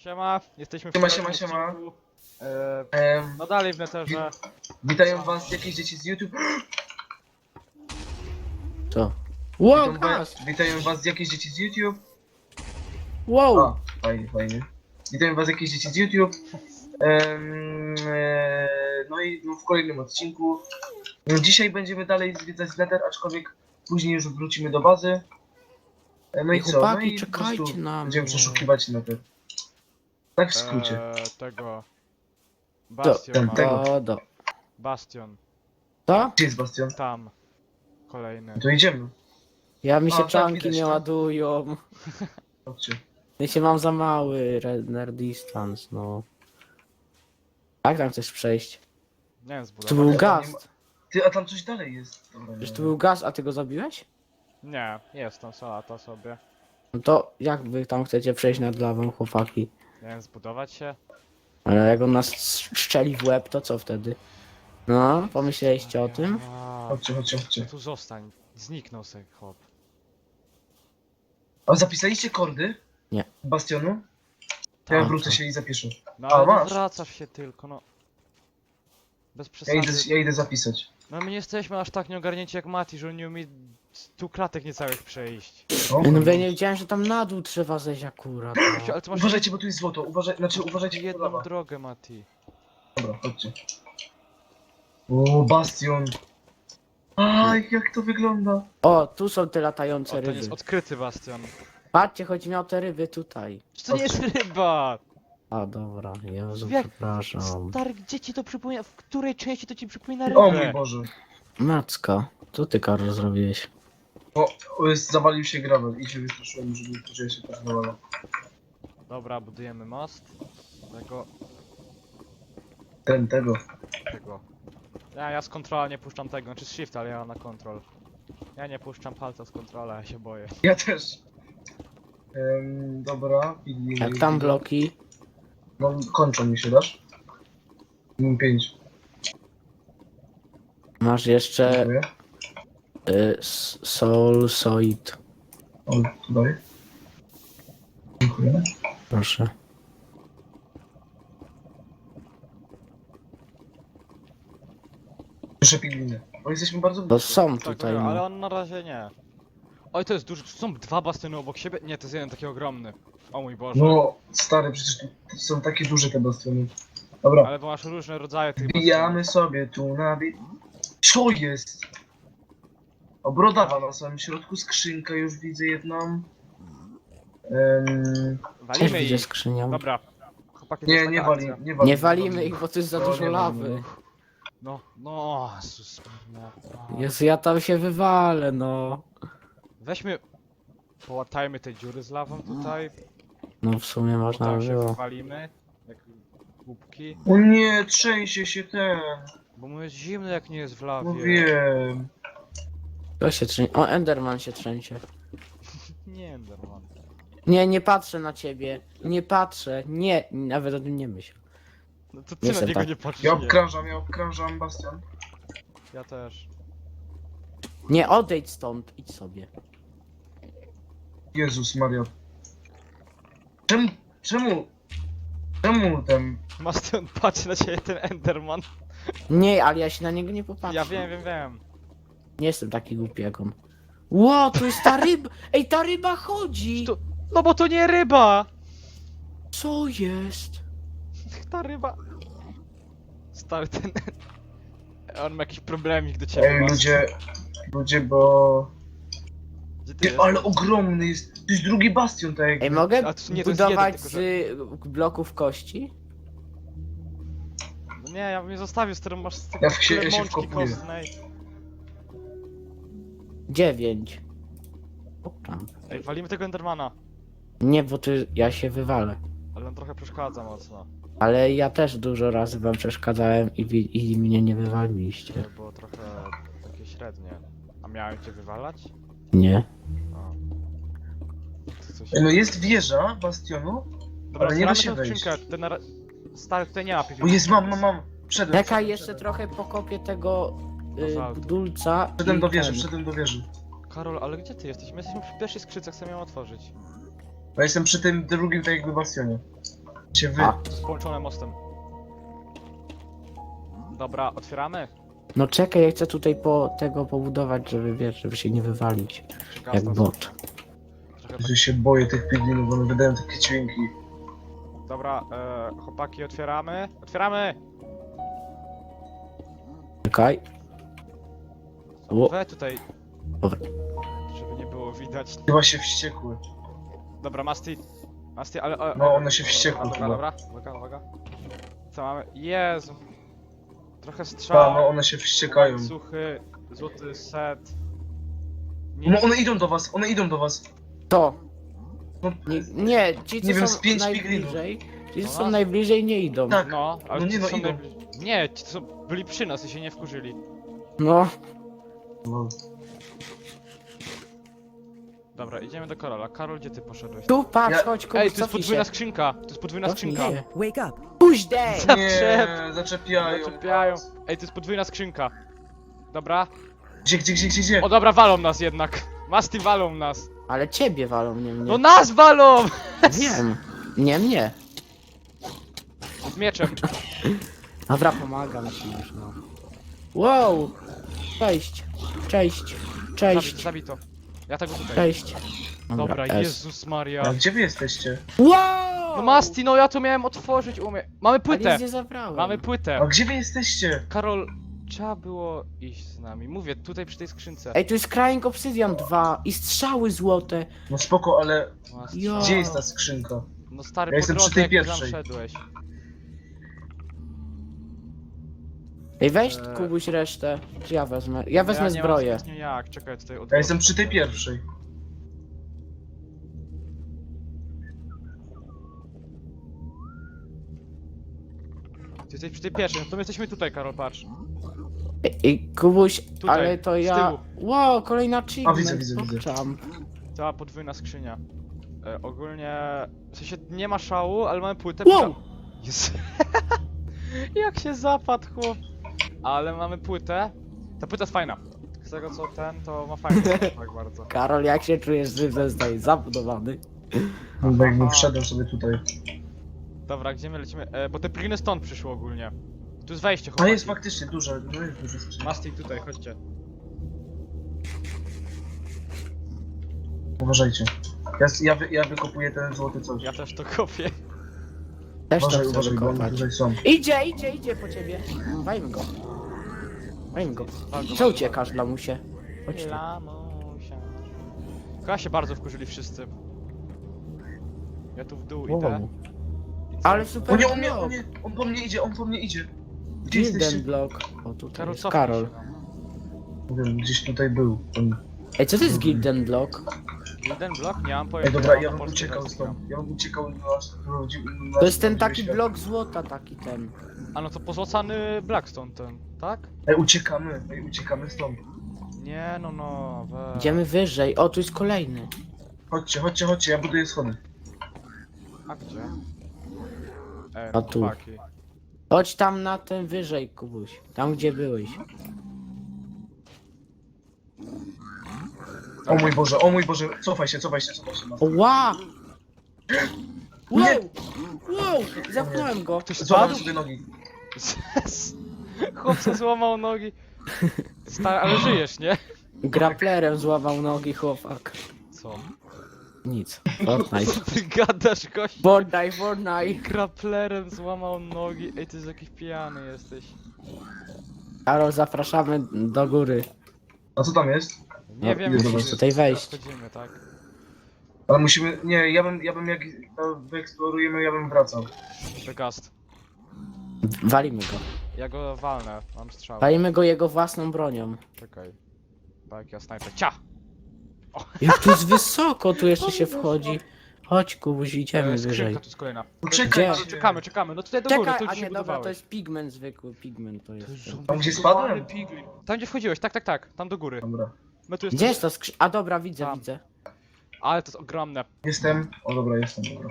Siema, jesteśmy w Siema, kolejnym siema, siema. odcinku. Em, No dalej w neterze. Witają was jakieś dzieci z YouTube. Co? Wow, Witają was jakieś dzieci z YouTube. Wow! A, fajnie, fajnie. Witają was jakieś dzieci z YouTube. No i w kolejnym odcinku. Dzisiaj będziemy dalej zwiedzać Nether, aczkolwiek później już wrócimy do bazy. No Ej, i co? chłopaki, No i po prostu czekajcie na będziemy mnie. przeszukiwać Nether. Tak w skrócie. Tego. Do, Bastion ma. tego. do. Bastion. Co? Gdzie jest Bastion? Tam. Kolejny. To idziemy. Ja mi się tak, czanki widać nie to. ładują. Chodźcie. Ja się mam za mały runner distance, no. Jak tam chcesz przejść? Nie wiem, Tu zbudować. był nie ma- gaz. Ty, a tam coś dalej jest. Dobra, Przecież nie. tu był gaz, a ty go zabiłeś? Nie, jest tam salata sobie. No to jak wy tam chcecie przejść nad lawą, chłopaki? Nie wiem, zbudować się. Ale jak on nas szczeli w łeb, to co wtedy? No, pomyśleliście o tym? Chodźcie, chodźcie, chodźcie. Tu zostań. Zniknął sobie chłop. A zapisaliście kordy? Nie. Bastionu? To ja Tak. wrócę się i zapiszę. No A, ale masz. wracasz się tylko, no. Bez Ja przesady. idę zapisać. No my nie jesteśmy aż tak nieogarnięci jak Mati, że on nie umie 100 klatek niecałych przejść. O, No bo ja nie wiedziałem, że tam na dół trzeba zejść akurat. No. Ale ty masz Uważajcie, bo tu jest złoto. Uważajcie, bo jedną lawa. drogę, Mati. Dobra, chodźcie. O, Bastion. Aj, jak to wygląda. O, tu są te O, latające ten jest ryby. odkryty bastion. Patrzcie, chodzi mi o te ryby tutaj. Czy to nie jest ryba? A dobra, Jezu, Jak- przepraszam. Stary, gdzie ci to przypomina? W której części to ci przypomina O mój rybę? Boże. Macka, co ty, Karol, zrobiłeś? Zawalił się gravel i się wystraszyłem, żeby poczuła się tak zawala. Dobra, budujemy most. Tego. Tego. Ja z kontrola nie puszczam tego, znaczy z shift, ale ja na kontrol. Ja nie puszczam palca z kontrola, ja się boję. Ja też. Dobra. Jak tam bloki? No, kończą mi się, dasz? 5. Masz jeszcze Dziękuję. Soulsoid. O, tutaj. Dziękuję. Proszę. Proszę pigliny. Bo jesteśmy bardzo To blisko. są Tak, tutaj, ale no. on na razie nie. Oj, to jest duży, tu są dwa bastiony obok siebie? Nie, to jest jeden taki ogromny. O mój Boże. No, stary, przecież tu są takie duże te bastiony. Dobra. Ale bo masz różne rodzaje tych Wbijamy sobie tu na... Co jest? O, brodawa na samym środku, skrzynkę już widzę jedną. Też Walimy widzę ich. skrzynią. Dobra. Chłopaki, to Nie, jest nie taka wali, akcja. nie wali. Nie walimy ich, bo to jest za No, dużo nie lawy. walimy. No, Jezus, no. Jezu, ja tam się wywalę, no. Weźmy, połatajmy te dziury z lawą tutaj, No w sumie bo można tam by się było. wywalimy, jak głupki, O nie, trzęsie się ten. bo mu jest zimno jak nie jest w No lawie. wiem. To się trzęsie. O, Enderman się trzęsie. Nie, normalnie. Nie, nie patrzę na ciebie. Nie patrzę. Nie, nawet o tym nie myśl. No to ty Nie na jestem niego tak. nie patrzysz, Ja nie. obkrążam bastion. Ja też. Nie, odejdź stąd. Idź sobie. Jezus Maria. Czemu ten... Mastion, patrzy na ciebie ten Enderman. Nie, ale ja się na niego nie popatrzę. Ja wiem. Nie jestem taki głupi jak on. Ło, tu jest ta ryba! Ej, ta ryba chodzi! To- No bo to nie ryba! Co jest? Ta ryba. Stary ten... On ma jakiś problemik do ciebie. Ej, Mastion. ludzie, bo... Gdzie ty Ty, jesteś? ale ogromny jest. To jest drugi bastion, tak jakby. Ej, mogę A to nie, to jest budować jeden, z bloków kości? No nie, ja bym nie zostawił, z którym masz z Ja się mączki wkopuję. kostnej. 9. O, tam. Ej, walimy tego Endermana. Nie, bo ty, ja się wywalę. Ale on trochę przeszkadza mocno. Ale ja też dużo razy wam przeszkadzałem i mnie nie wywaliliście. To było trochę takie średnie. A miałem cię wywalać? Nie. A. To coś... No jest wieża bastionu. Dobra, ale nie da zbieramy się tę wejść. skrzynkę. Ten stary, tutaj nie ma O PvP. jest, mam. Wszedłem. Czekaj, wszedłem, jeszcze wszedłem. trochę pokopię tego Bazaltu. budulca. Wszedłem i do wieży, ten. wszedłem do wieży. Karol, ale gdzie ty jesteś? My jesteśmy przy pierwszej skrzynce, chcemy ją otworzyć. Ja jestem przy tym drugim, tak jakby bastionie. Cię wy. A. To jest połączone mostem. Dobra, otwieramy? No czekaj, ja chcę tutaj tego pobudować, żeby wiesz, żeby się nie wywalić. Czy Jak gaz nas- bot. Trochę Ja się boję tych piglinów, one wydają takie dźwięki. Dobra, chłopaki, otwieramy. Otwieramy! Czekaj. O. We tutaj. Dobra. Żeby nie było widać. Chyba się wściekły. Dobra, Masti. Masti, ale... No, one się dobra, wściekły Dobra, chyba. dobra, uwaga, uwaga. Co mamy? Jezu. Trochę Ta, strzał. no one się wściekają. Suchy, złoty set. No one idą do was, one idą do was. To. No, Nie, ci co Nie wiem, są z 5 najbliżej. Ci co No są nas- najbliżej nie idą. Tak. No, ale No nie, ci no są idą. Nie, ci co byli przy nas i się nie wkurzyli. No. No. Dobra, idziemy do Karola. Karol, gdzie ty poszedłeś? Tu patrz, Ja- chodź, Ej, kupuj, to jest cofnij podwójna się. skrzynka! To jest podwójna Cofnij skrzynka! się. Wake up. Puść day! Nie, zaczepiają. Zaczepiają. Ej, to jest podwójna skrzynka. Dobra. Gdzie? O dobra, walą nas jednak. Masti walą nas. Ale ciebie walą, nie mnie. No nas walą! Wiem. Nie mnie. Z mieczem. Dobra, pomagam ci już, no. Wow! Cześć. Cześć. Cześć. Zabij to. Ja tego tutaj. Cześć. Dobra, S. Jezus Maria. A gdzie wy jesteście? Wow! No Masti, no ja to miałem otworzyć, umie. Mamy Ale płytę. nic nie zabrałem. Mamy płytę. A gdzie wy jesteście? Karol, trzeba było iść z nami. Mówię, tutaj przy tej skrzynce. Ej, tu jest Crying Obsidian 2 i strzały złote. No spoko, ale Masti. Jo. gdzie jest ta skrzynka? No stary, Ja po jestem przy drodze, tej jak pierwszej. tam szedłeś. Ej, weź Eee. Kubuś resztę. Czy ja wezmę? Ja wezmę Ja nie mam zbroję. zbytnio jak, czekaj tutaj od Ja jestem przy tej pierwszej. Ty jesteś przy tej pierwszej, no to my jesteśmy tutaj, Karol, patrz. Ej, Kubuś, Tutaj, ale to z ja... tyłu. Wow, kolejna achievement. widzę. pokczam. Cała podwójna skrzynia. Ogólnie... W sensie nie ma szału, ale mamy płytę. Wow! Jest. Jak się zapadł, chłop. Ale mamy płytę. Ta płyta jest fajna. Z tego co to ma fajny tak bardzo. Karol, jak się czujesz, że zostaje zabudowany? No jakbym wszedłem sobie tutaj. Dobra, gdzie my lecimy? Bo te pliny stąd przyszły ogólnie. Tu jest wejście, A chłopaki. jest faktycznie duże, no jest duże skrzynka. Mastik tutaj, chodźcie. Uważajcie. Ja wykopuję ten złoty coś. Ja też to kopię. Też to Uważaj, chcę uważaj, bo oni wykopać. tutaj są. Idzie po ciebie. Wajmy go. Wajmy go. Co uciekasz, lamusie? Chodź tu. Lamusia. Chyba się bardzo wkurzyli wszyscy. Ja tu w dół idę. Wow. I co? Ale O super nie, blok. on po mnie idzie, on po mnie idzie. Gdzie jesteście? Gilden block. O, tutaj Karol, jest cofnij Karol. się, no. Nie wiem, gdzieś tutaj był. On... Ej, co to jest Gilden block? Jeden blok? Nie mam Ej, pojęcia. dobra, mam ja na bym polskie uciekał wersje stąd. Ja bym uciekał na... To jest ten taki blok złota, taki ten. gram. A no to pozłacany Blackstone ten, tak? Ej, uciekamy stąd. Nie, no, Idziemy wyżej. O, tu jest kolejny. Chodźcie, ja buduję schody. A gdzie? A tu. chłopaki. Chodź tam na ten wyżej, Kubuś. Tam, gdzie byłeś. O mój Boże, cofaj się. Ła! Wow! Nie. Wow! Zapchnąłem go. Ktoś Złamałem spadł? sobie nogi. Chłopca złamał nogi. Stary, ale żyjesz, nie? Grapplerem złamał nogi chłopak. Co? Nic. Fortnite. Co ty gadasz, gość? Fortnite. Grapplerem złamał nogi. Ej, ty jest jakiś pijany jesteś. Karol, zapraszamy do góry. A co tam jest? Nie No, wiem, musisz musimy- tutaj wejść. teraz Chodzimy, tak? Ale musimy... Nie, ja bym jak wyeksplorujemy, ja bym wracał. The Gast. Walimy go. Ja go walnę, mam strzał. Walimy go jego własną bronią. Czekaj. Tak, ja snajper. Cia! Jak tu jest wysoko, tu jeszcze się wchodzi. Chodź, Kubuś, idziemy wyżej. Skrzynka tu jest kolejna. Poczekaj, Gdzie? Czekamy. No tutaj do góry, Czekaj, tu a się nie, dobra, budowałeś. to jest pigment zwykły, pigment to jest. Tam, gdzie spadłem? Piglin. Tam gdzie wchodziłeś, tak, tam do góry. Dobra. My tu Gdzie jest to skrzynka? A dobra, widzę, Tam. widzę. Ale to jest ogromne. Jestem. O dobra, jestem, dobra.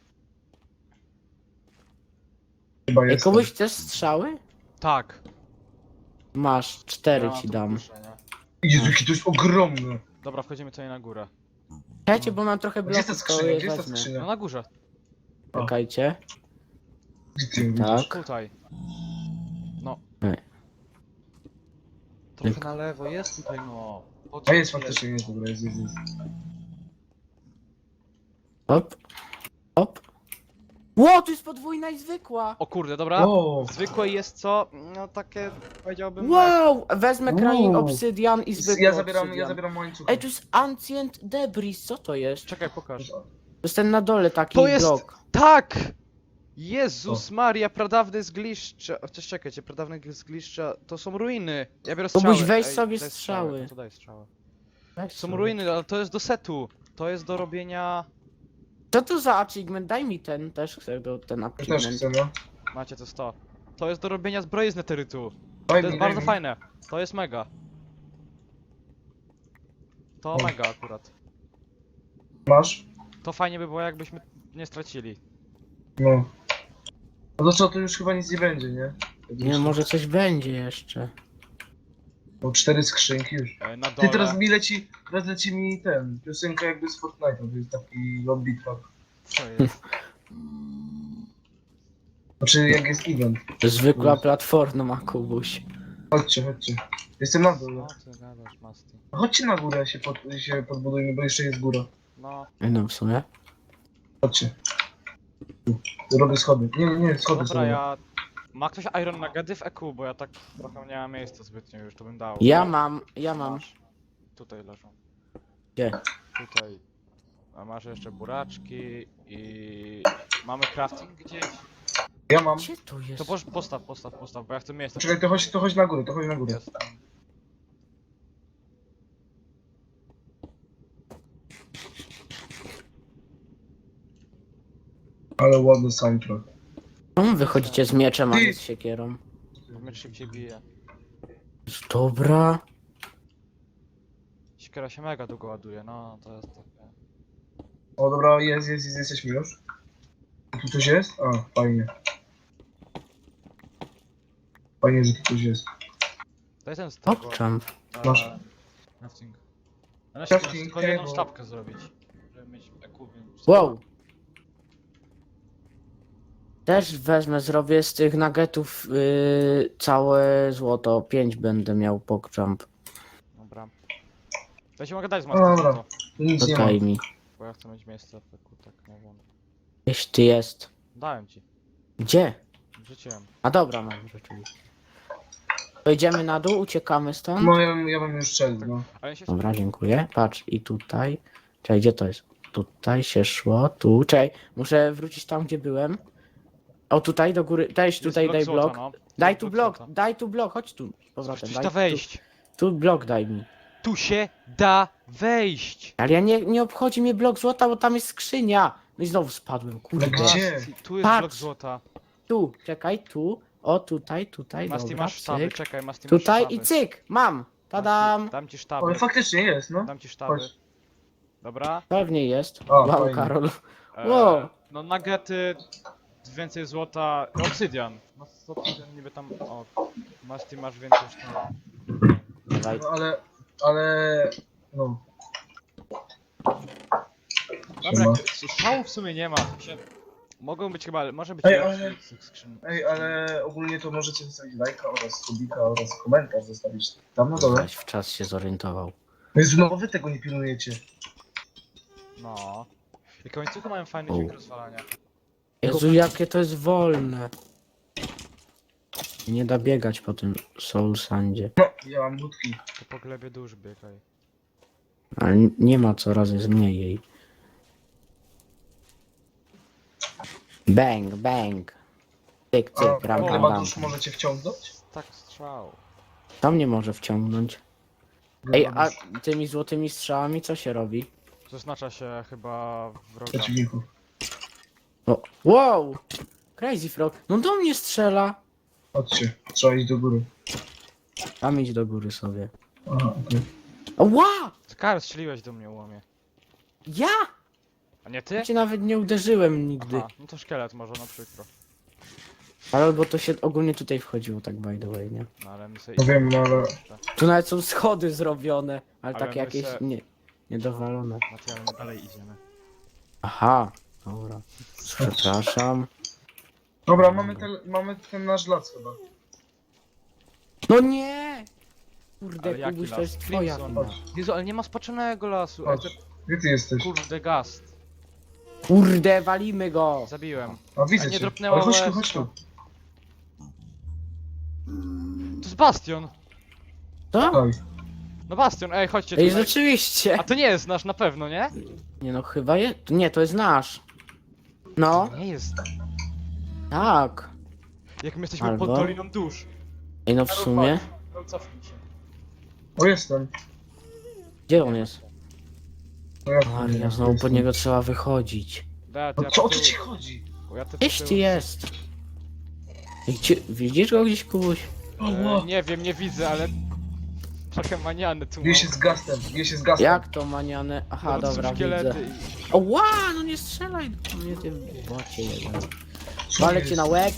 Chyba Ej, jestem. Kubuś, chcesz strzały? Tak. Masz, 4 Ja ci tu dam. puszę, nie? Jezu, jaki to jest ogromny. Dobra, wchodzimy tutaj na górę. Czekajcie, bo mam trochę Gdzie jest ta bloków, to skrzynia? je Gdzie jest ta wezmę. No skrzynia? na górze. Czekajcie. Gdzie ty ją Tak. widzisz? Tutaj. No. Ej. Trochę na lewo, jest tutaj no. A jest faktycznie, jest, dobra, jest. Hop. Hop. Ło, tu jest podwójna i zwykła. O kurde, dobra. O, Zwykłe jest co? No takie, powiedziałbym... Wow, wezmę kranik Wow. obsydian i zwykły ja obsydian. zabieram łańcuch. Ej, tu jest Ancient Debris, co to jest? Czekaj, pokaż. To jest ten na dole taki To jest- blok. Tak! Jezus Maria, pradawne zgliszcza. Chociaż czekajcie, pradawne zgliszcza to są ruiny. Ja biorę strzały. Próbuj weź Ej, sobie daj strzały. No to daj strzały. Weź Są sobie. ruiny, ale to jest do setu. To jest do robienia... Co to za achievement? Daj mi ten, też chcę ten Ja też achievement. chcę, no. Macie to 100. To jest do robienia zbroi z neterytu. Daj To mi, jest daj bardzo mi. fajne. To jest mega. To O. mega akurat. Masz? To fajnie by było jakbyśmy nie stracili. No. No to co, to już chyba nic nie będzie, nie? Nie, może coś będzie jeszcze. Bo 4 skrzynki już. Na Ty dole. teraz leci mi ten, piosenka jakby z Fortnite'a, to jest taki lobby track. Co jest? Znaczy jak jest event. Zwykła platforma, Kubuś. Chodźcie. Jestem na dole. Co ty gadasz, Masti? Chodźcie na górę, się podbudujmy, bo jeszcze jest góra. No. No w sumie. Chodźcie. Tu robię schody. Nie, schody Dobra, są. ja... Ma ktoś Iron Nuggety w EQ, bo ja tak trochę nie mam miejsca zbytnio już, to bym dał. Ja mam. Masz. Tutaj leżą. Gdzie? Tutaj. A masz jeszcze buraczki i... Mamy crafting gdzieś? Ja mam. Gdzie to jest? To postaw, bo ja chcę miejsce. Czekaj, to chodź na górę, Jest. Ale ładny soundtrack. Czemu wychodzicie z mieczem, a nie z siekierą? Miecz szybciej bije. Dobra. Siekiera się mega długo ładuje, no to jest takie... O dobra, jesteśmy już. Tu coś jest? A, fajnie. Fajnie, że tu coś jest. Daj ten z tego. Popczam. Masz. Crafting. Ale Crafting tylko jedną table. sztabkę zrobić. Żeby mieć EQ, więc... Wow. Też wezmę, zrobię z tych nuggetów całe złoto. 5 będę miał pokczamp. Dobra. To się mogę dać z No dobra. Master, Tu nic To nie ma. daj mi. bo ja chcę mieć miejsce w EQ, tak nie wiem. Gdzieś ty jest. Dałem ci. Gdzie? Wrzuciłem. A dobra, mam rzeczywiście. To idziemy na dół, uciekamy stąd. No ja bym już szedł, no. Ale ja się... Dobra, dziękuję. Patrz, i tutaj. Czekaj, gdzie to jest? Tutaj się szło, tu. Czekaj, muszę wrócić tam, gdzie byłem. O, tutaj do góry. Dajś Jest tutaj, daj złota, blok. no. Daj Jest tu blok, złota. daj tu blok, chodź tu. Z powrotem, Przecież daj da tu, wejść. tu blok daj mi. Tu się da wejść. Ale ja nie obchodzi mnie blok złota, bo tam jest skrzynia. No i znowu spadłem, kurde. Ale gdzie? Masti, tu jest Patrz. blok złota. Tu, czekaj, tu. O, tutaj, Masti, dobra, masz sztaby, cyk. czekaj, Masti, masz Tutaj sztaby. i cyk, mam. Tadam. Masti, dam ci Ale sztaby, faktycznie jest, no. dam ci sztaby. Chodź. Dobra. Pewnie jest. O, Wow, fajnie. Karol. E, Wow. No nuggety, więcej złota, obsydian. No z obsydian niby tam, o, Masti masz więcej sztaby. Dawaj. No ale... No. Dobra, Siema. strzałów w sumie nie ma. W sensie, mogą być chyba, może być Ej, lepszy ale- z tych skrzyn. Ej, ale ogólnie to możecie zostawić lajka oraz subika oraz komentarz zostawić tam na dole. Weź w czas się zorientował. Jezu, no wy tego nie pilnujecie. No. I końcówki mają fajny U. dźwięk rozwalania. Jezu, jakie to jest wolne. Nie da biegać po tym Soul Sandzie. Ja mam budki. To po glebie dusz biegaj. Ale nie ma coraz jest mniej jej. Bang, bang. Cyk, A, cyk, ram, o, ram, chyba ram. dusz możecie wciągnąć? Tak strzał. To mnie może wciągnąć. Ej, a tymi złotymi strzałami co się robi? Zaznacza się chyba wroga. Przeciwników. O, wow! Crazy Frog. No do mnie strzela. Chodźcie, trzeba iść do góry. Tam idź do góry sobie. Aha, okej. Ła! Kar, strzeliłeś do mnie łomie. Ja? A nie ty? Ja cię nawet nie uderzyłem nigdy. Aha, no to szkielet może, no przykro. Ale bo to się ogólnie tutaj wchodziło, tak by the way, nie? No ale my sobie No wiem, no ale... jeszcze. Tu nawet są schody zrobione, ale Ale takie my jakieś se- niedowalone. Macie, ale my dalej idziemy. Aha, dobra. Przepraszam. Dobra, mamy ten nasz lac chyba. No nie! Kurde, Ale jaki Kubuś, to las? jest twoja Crimson. wina. Chodź, Jezu, ale nie ma spaczonego lasu. Ej, chodź. Gdzie ty jesteś? kurde, gast. Kurde, walimy go! Zabiłem. A widzę A nie cię. dropnęła Ale chodź tu, łez, chodź tu. To jest Bastion. Co? Daj. No Bastion, ej, chodźcie Ej, tutaj. rzeczywiście! A to nie jest nasz na pewno, nie? Nie no, chyba jest. Nie, to jest nasz. No, Nie jest. tak. Jak my jesteśmy Albo? pod Doliną Dusz. Ej, no w sumie. No cofnij się. O, jestem. Gdzie on jest? No jak Maria, znowu pod niego trzeba wychodzić. Da, No co o co ci chodzi? Gdzieś ty jest. Ej, widzisz go gdzieś, Kubuś? O, Nie wiem, nie widzę, ale... Trochę maniany tu bije się z gastem, bije się z gastem. Jak to maniane? Aha, No, dobra, szkielety widzę. i... O, ła, no nie strzelaj do mnie, ty bocie jeden. Co Walę jest? cię na łeb.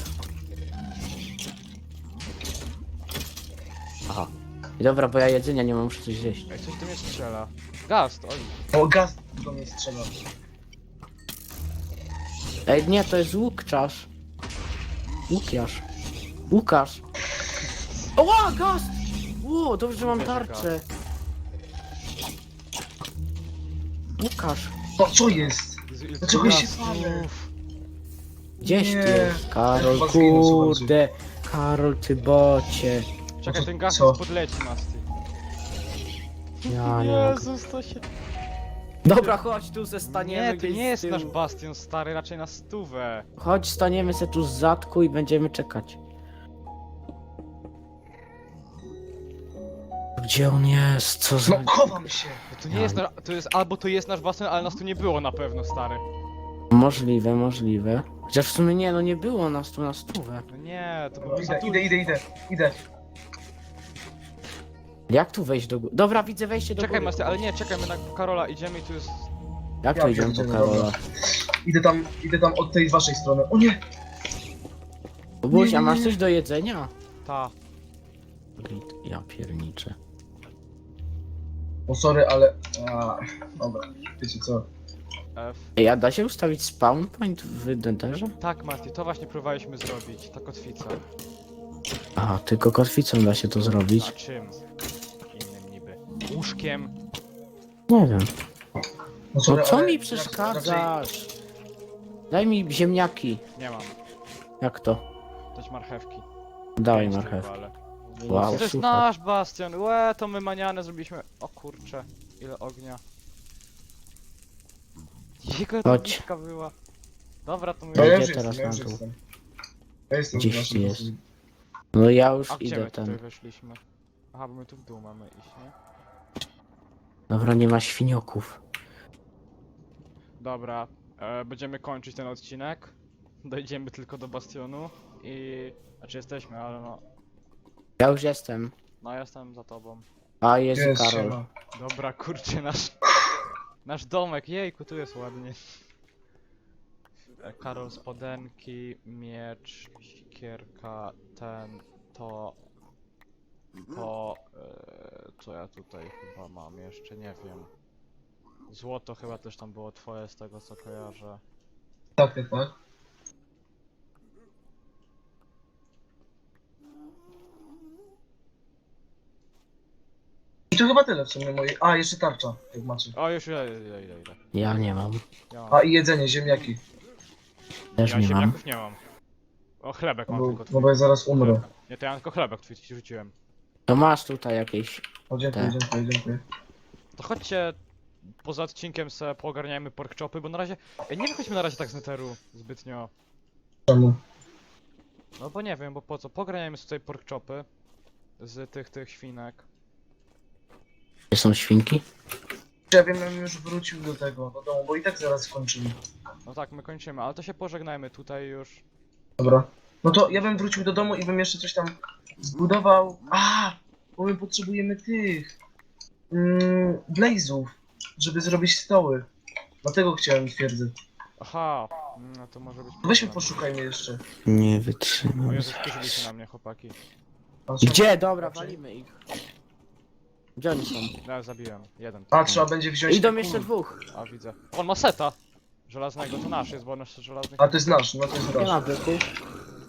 Aha. I dobra, bo ja jedzenia nie mam, muszę coś zjeść. Ej, coś tu mnie strzela. Gast, oj. O, gaz do mnie strzela. Ej, nie, to jest Łukczasz. Łukasz. Łukasz. Oła, gaz! Ło, dobrze, że mam tarczę. Łukasz. O, co jest? Jezu, ile Dlaczego tu się gastów. palę? Gdzieś ty Nie. jest? Karol, Ja chyba zginę, kurde. Karol, ty bocie. Czekaj, co- ten gast co? podleci nas, ty. Ja nie mogę. Jezus, to się... Dobra, chodź tu se staniemy Nie, to gdzieś nie z jest tyłu. nasz bastion stary, raczej na stówę. Chodź, staniemy se tu z zadku i będziemy czekać. Gdzie on jest? Co za... No, chowam się. To nie jest nasz, to jest, albo to jest nasz bastion, ale nas tu nie było na pewno, stary. Możliwe, możliwe. Chociaż w sumie nie, no nie było nas tu na stówę. No nie, to No, był za idę. Jak tu wejść do góry? Dobra, widzę wejście do Czekaj, góry. Master, ale nie, czekaj, my na Karola idziemy i tu jest... Jak Ja to idziemy po pierdzielę, Karola? dobra. Idę tam od tej waszej strony. O nie! Buś, a nie, masz nie. coś do jedzenia? Ta. Ja pierniczę. O, sorry, ale... A, dobra, wiecie co? F. Ej, a da się ustawić spawn point w Denderze? Tak, Mati, to właśnie próbowaliśmy zrobić, ta kotwica. A, tylko kotwicą da się to A zrobić. czym? Innym niby. Łóżkiem. Nie wiem. No, No sorry, co ale mi raczej- przeszkadzasz? Daj mi ziemniaki. Nie mam. Jak to? Dać marchewki. Dawaj Pięć marchew. tylko, ale... Wow, To jest super. nasz bastion, łe, to my maniane zrobiliśmy. O kurcze, ile ognia. Jego Chodź. tabliczka była. Dobra, to my... No ja Idzie już teraz jestem, ja na już dół. jestem. Ja jestem Gdzieś w naszym ty jest. basenie. No ja już A gdzie idę my tutaj ten. weszliśmy? Aha, bo my tu w dół mamy iść, nie? Dobra, nie ma świnioków. Dobra, będziemy kończyć ten odcinek. Dojdziemy tylko do bastionu i... Znaczy jesteśmy, ale no... Ja już jestem. No jestem za tobą. A, jest Jest, Karol. siema. Dobra, kurczę, nasz... Nasz domek, jejku, tu jest ładnie. Karol spodenki, miecz, sikierka, ten, to... Co ja tutaj chyba mam jeszcze, nie wiem. Złoto chyba też tam było twoje z tego co kojarzę. Tak. I to chyba tyle w sumie mojej. A, jeszcze tarcza, jak macie. O, już ile. Ja nie mam. Ja mam. A, i jedzenie, ziemniaki. Też Ja nie mam. ziemniaków nie mam. O, chlebek mam tylko No twój. bo ja zaraz umrę. Nie, to ja mam tylko chlebek twój ci rzuciłem. To masz tutaj jakieś. O, dziękuję, Tak. dziękuję. To chodźcie poza odcinkiem se poogarniajmy pork chopy, bo na razie... Ej, nie wychodźmy na razie tak z neteru zbytnio. Czemu? No bo nie wiem, bo po co? Pograniajmy sobie pork chopy z tych świnek. Gdzie są świnki? Ja wiem, ja bym już wrócił do tego, do domu, bo i tak zaraz skończymy. No tak, my kończymy, ale to się pożegnajmy tutaj już. Dobra. No to ja bym wrócił do domu i bym jeszcze coś tam zbudował. A, bo my potrzebujemy tych blazów, żeby zrobić stoły. Dlatego chciałem twierdzę. Aha, no to może być Weźmy problem. poszukajmy jeszcze. Nie O wytrzymam. Jezu, wkurzyli się na mnie chłopaki. Gdzie? Dobra, walimy ich. Gdzie oni są? Ja zabiłem, jeden. A, trzeba będzie wziąć... Idą te jeszcze kul. dwóch. A widzę. On ma seta! Żelaznego, to nasz jest, bo on jest żelazny. A, to jest nasz, no to jest Nie ma nasz. byków.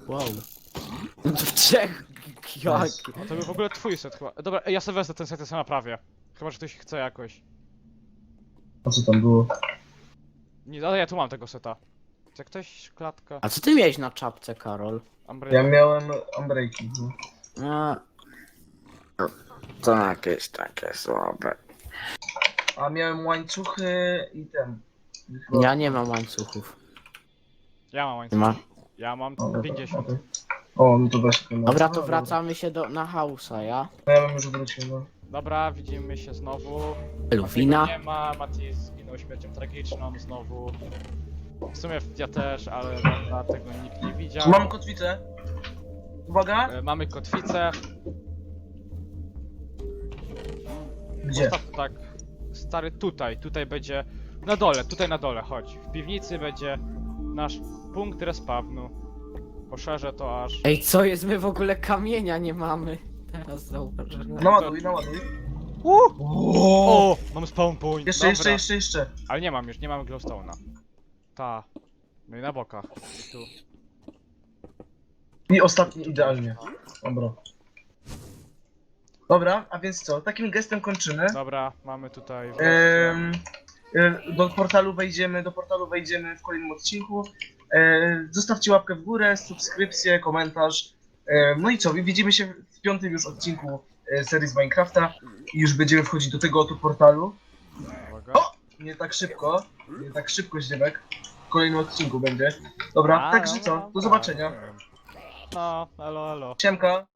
Wow. No to trzech. Jak? A to był w ogóle twój set chyba. Dobra, ja sobie wezmę ten set, ja sobie naprawię. Chyba, że ktoś chce jakoś. A co tam było? Nie, ale ja tu mam tego seta. Chce ktoś klatka? A co ty miałeś na czapce, Karol? Ja miałem Unbreaking. No. A... To jakieś takie słabe. A miałem łańcuchy i ten. Chyba- Ja nie mam łańcuchów. Ja mam Nie łańcuch. ma. Ja mam O, dobra, 50. okej. O, no to weź ten. Dobra, to wracamy się na hausa, ja? No ja bym już wrócił, no. Dobra, widzimy się znowu. Luwina. Matiego nie ma, Mati zginął śmiercią tragiczną znowu. W sumie ja też, ale dobra, tego nikt nie widział. Mam kotwicę. Uwaga. Mamy kotwicę. Gdzie? Postaw tak, stary, tutaj będzie na dole, tutaj na dole, chodź. W piwnicy będzie nasz punkt respawnu. Poszerzę to aż. Ej, co jest? My w ogóle kamienia nie mamy. Teraz zauważyłem. Naładuj, naładuj. O! Mam spawn point. Jeszcze, Dobra. jeszcze. Ale nie mam już, nie mamy glowstone'a. Ta. No i na bokach. I tu. I ostatni idealnie. Dobra. Dobra, a więc co? Takim gestem kończymy. Dobra, mamy tutaj. Do portalu wejdziemy w kolejnym odcinku. Zostawcie łapkę w górę, subskrypcję, komentarz. No i co? Widzimy się w 5. już odcinku serii z Minecrafta i już będziemy wchodzić do tego oto portalu. Uwaga. O! Nie tak szybko, Zdziebek. W kolejnym odcinku będzie. Dobra, także co? Do zobaczenia. No, elo, elo. Siemka.